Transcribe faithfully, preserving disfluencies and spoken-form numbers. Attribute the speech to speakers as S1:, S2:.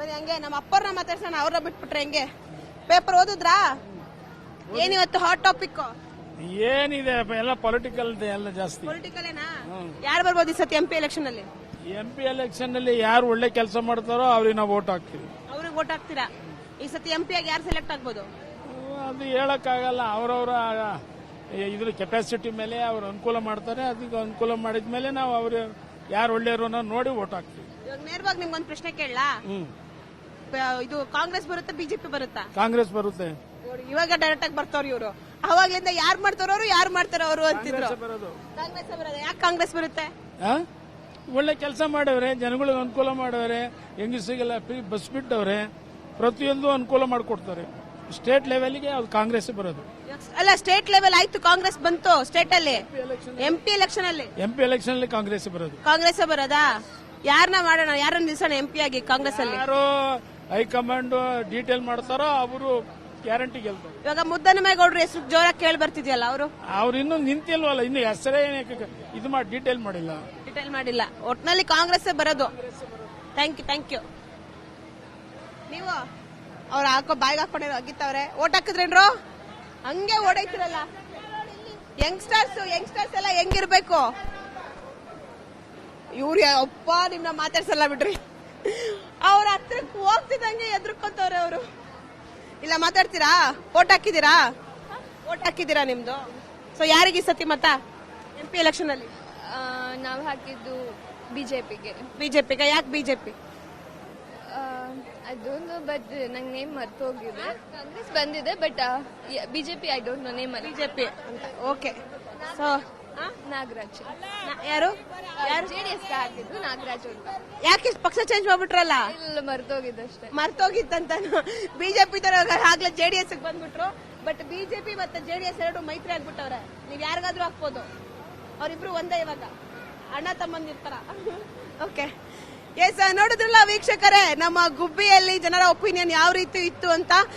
S1: ಬರೀ ಹಂಗೆ ನಮ್ಮ ಅಪ್ಪರನ್ನ ಮಾತಾಡ್ಸೋಣ, ಅವ್ರನ್ನ ಬಿಟ್ಬಿಟ್ರೆ ಹೆಂಗೆ? ಪೇಪರ್ ಓದಿದ್ರಾ? ಏನಿವತ್ತು ಹಾಟ್ ಟಾಪಿಕ್?
S2: ಏನಿದೆ ಎಲ್ಲ ಪೊಲಿಟಿಕಲ್ ಎಲ್ಲ ಜಾಸ್ತಿ.
S1: ಪೊಲಿಟಿಕಲ್ ಏನಾ? ಯಾರು ಬರ್ಬೋದು ಈ ಸತಿ ಎಂ ಪಿ ಎಲೆಕ್ಷನ್ ಅಲ್ಲಿ?
S2: ಎಂ ಪಿ ಎಲೆಕ್ಷನ್ ಅಲ್ಲಿ ಯಾರು ಒಳ್ಳೆ ಕೆಲಸ ಮಾಡ್ತಾರೋ ಅವ್ರಿಗೆ ನಾವು ವೋಟ್ ಹಾಕ್ತೀವಿ.
S1: ಅವ್ರಿಗೆ ವೋಟ್ ಹಾಕ್ತೀರಾ? ಈ ಸತಿ ಎಂ ಪಿ ಆಗಿ ಯಾರು ಸೆಲೆಕ್ಟ್ ಆಗ್ಬೋದು?
S2: ಅದು ಹೇಳಕ್ಕಾಗಲ್ಲ. ಅವರವರ ಇದ್ರ ಕೆಪಾಸಿಟಿ ಮೇಲೆ ಅವ್ರು ಅನುಕೂಲ ಮಾಡ್ತಾರೆ. ಅದಕ್ಕೆ ಅನುಕೂಲ ಮಾಡಿದ ಮೇಲೆ ನಾವು ಅವ್ರು ಯಾರು ಒಳ್ಳೆಯವರು ನೋಡಿ ವೋಟ್ ಹಾಕ್ತೀವಿ.
S1: ಇವಾಗ ನೇರವಾಗಿ ನಿಮ್ಗೊಂದು ಪ್ರಶ್ನೆ ಕೇಳಲಾ?
S2: ಹ್ಮ್
S1: ಇದು ಕಾಂಗ್ರೆಸ್ ಬರುತ್ತಾ ಬಿಜೆಪಿ ಬರುತ್ತಾ?
S2: ಕಾಂಗ್ರೆಸ್ ಬರುತ್ತೆ.
S1: ಇವಾಗ ಡೈರೆಕ್ಟ್ ಆಗಿ ಬರ್ತಾವ್ರಿ ಇವರು. ಅವಾಗ್ಲಿಂದ ಯಾರು ಮಾಡ್ತಾರವ್ರು ಯಾರು ಮಾಡ್ತಾರ ಅವರು ಅಂತಿದ್ರು.
S2: ಬರೋದು
S1: ಕಾಂಗ್ರೆಸ್ ಬರೋದು. ಯಾಕೆ ಕಾಂಗ್ರೆಸ್ ಬರುತ್ತೆ?
S2: ಒಳ್ಳೆ ಕೆಲಸ ಮಾಡವ್ರೆ, ಜನಗಳಿಗೆ ಅನುಕೂಲ ಮಾಡವ್ರೆ, ಹೆಂಗಸಿಗೆಲ್ಲ ಫ್ರೀ ಬಸ್ ಬಿಟ್ಟವ್ರೆ, ಪ್ರತಿಯೊಂದು ಅನುಕೂಲ ಮಾಡಿಕೊಡ್ತಾರೆ. ಸ್ಟೇಟ್ ಲೆವೆಲ್ಗೆ ಅದು ಕಾಂಗ್ರೆಸ್ ಬರೋದು.
S1: ಅಲ್ಲ, ಸ್ಟೇಟ್ ಲೆವೆಲ್ ಆಯ್ತು, ಕಾಂಗ್ರೆಸ್ ಬಂತು. ಸ್ಟೇಟ್ ಅಲ್ಲಿ ಎಂ ಪಿ ಎಲೆಕ್ಷನ್ ಅಲ್ಲಿ
S2: ಎಂ ಪಿ ಎಲೆಕ್ಷನ್ ಅಲ್ಲಿ ಕಾಂಗ್ರೆಸ್ ಬರೋದು.
S1: ಕಾಂಗ್ರೆಸ್ ಬರೋದಾ? ಯಾರನ್ನ ಮಾಡೋಣ, ಯಾರನ್ನ ನಿಲ್ಸೋಣ ಎಂ ಪಿ ಆಗಿ ಕಾಂಗ್ರೆಸ್ ಅಲ್ಲಿ?
S2: ಯಾರು ಹೈಕಮಾಂಡ್ ಡೀಟೇಲ್ ಮಾಡ್ತಾರೋ ಅವರು ಗ್ಯಾರಂಟಿ ಗೆಲ್ತಾರೆ.
S1: ಇವಾಗ ಮುದ್ದನಮೇಗೌಡ್ರ ಹೆಸರು ಜೋರಾಗಿ ಕೇಳಿ ಬರ್ತಿದ್ಯಲ್ಲ, ಅವರು
S2: ಅವ್ರು ಇನ್ನೂ ನಿಂತಿಲ್ವಲ್ಲ, ಇನ್ನು ಹೆಸರೇ ಇದು ಮಾಡಿ ಡೀಟೇಲ್ ಮಾಡಿಲ್ಲ.
S1: ಡೀಟೇಲ್ ಮಾಡಿಲ್ಲ. ಒಟ್ನಲ್ಲಿ ಕಾಂಗ್ರೆಸ್ ಬರೋದು. Thank you thank you. ನೀವು ಅವ್ರು ಹಾಕೋ ಬಾಯಿಗೆ ಹಾಕೊಂಡಿರೋ ಅಗಿತ್ತವ್ರೆ. ಓಟ್ ಹಾಕಿದ್ರೇನ್ರು? ಹಂಗೆ ಓಡೈತಿರಲ್ಲ. ಯಂಗ್ಸ್ಟರ್ಸ್ ಯಂಗ್ಸ್ಟರ್ಸ್ ಎಲ್ಲ ಹೆಂಗಿರ್ಬೇಕು? ಇವ್ರು ಅಪ್ಪ ನಿಮ್ನ ಮಾತಾಡ್ಸಲ್ಲ ಬಿಡ್ರಿ. ಅವ್ರ ಹತ್ರಕ್ಕೆ ಹೋಗ್ತಿದಂಗೆ ಎದ್ರುಕೊಂತವ್ರೆ ಅವರು. ಇಲ್ಲ ಮಾತಾಡ್ತೀರಾ? ಓಟ್ ಹಾಕಿದೀರಾ? ಓಟ್ ಹಾಕಿದೀರಾ ನಿಮ್ದು? ಸೊ ಯಾರಿಗೆ ಈ ಸತಿ ಮತ ಎಂ ಪಿ ಎಲೆಕ್ಷನ್ ಅಲ್ಲಿ?
S3: ನಾವು ಹಾಕಿದ್ದು ಬಿಜೆಪಿಗೆ.
S1: ಬಿಜೆಪಿಗೆ. ಯಾಕೆ ಬಿಜೆಪಿ?
S3: ಅದೊಂದು ಬಟ್ ನಂಗೆ ನೇಮ್ ಮರ್ತು ಹೋಗಿದೆ. ಕಾಂಗ್ರೆಸ್ ಬಂದಿದೆ but BJP I don't know name.
S1: BJP ಅಂತ. ಓಕೆ. ಸೊ
S3: ನಾಗರಾಜ್.
S1: ಯಾರು ಯಾರು
S3: ಜೆಡಿಎಸ್ ಹಾಕಿದ್ದು ನಾಗರಾಜ್ ಅಂತ.
S1: ಯಾಕೆ ಪಕ್ಷ ಚೇಂಜ್ ಮಾಡ್ಬಿಟ್ರಲ್ಲ?
S3: ಇಲ್ಲ, ಮರ್ತೋಗಿದ್ದು ಅಷ್ಟೇ.
S1: ಮರ್ತೋಗಿತ್ತಂತ. ಬಿಜೆಪಿ ತರ ಆಗ್ಲೇ ಜೆಡಿಎಸ್ ಬಂದ್ಬಿಟ್ರು. ಬಟ್ ಬಿಜೆಪಿ ಮತ್ತೆ ಜೆಡಿಎಸ್ ಎರಡು ಮೈತ್ರಿ ಆಗ್ಬಿಟ್ಟವ್ರೆ. ನೀವ್ ಯಾರಿಗಾದ್ರೂ ಹಾಕ್ಬೋದು. ಅವ್ರಿಬ್ರು ಒಂದೇ ಇವಾಗ, ಅಣ್ಣ ತಮ್ಮಂದಿರ್ತಾರ. ಓಕೆ. ಎಸ್, ನೋಡಿದ್ರಲ್ಲ ವೀಕ್ಷಕರೇ, ನಮ್ಮ ಗುಬ್ಬಿಯಲ್ಲಿ ಜನರ ಒಪಿನಿಯನ್ ಯಾವ ರೀತಿ ಇತ್ತು ಅಂತ.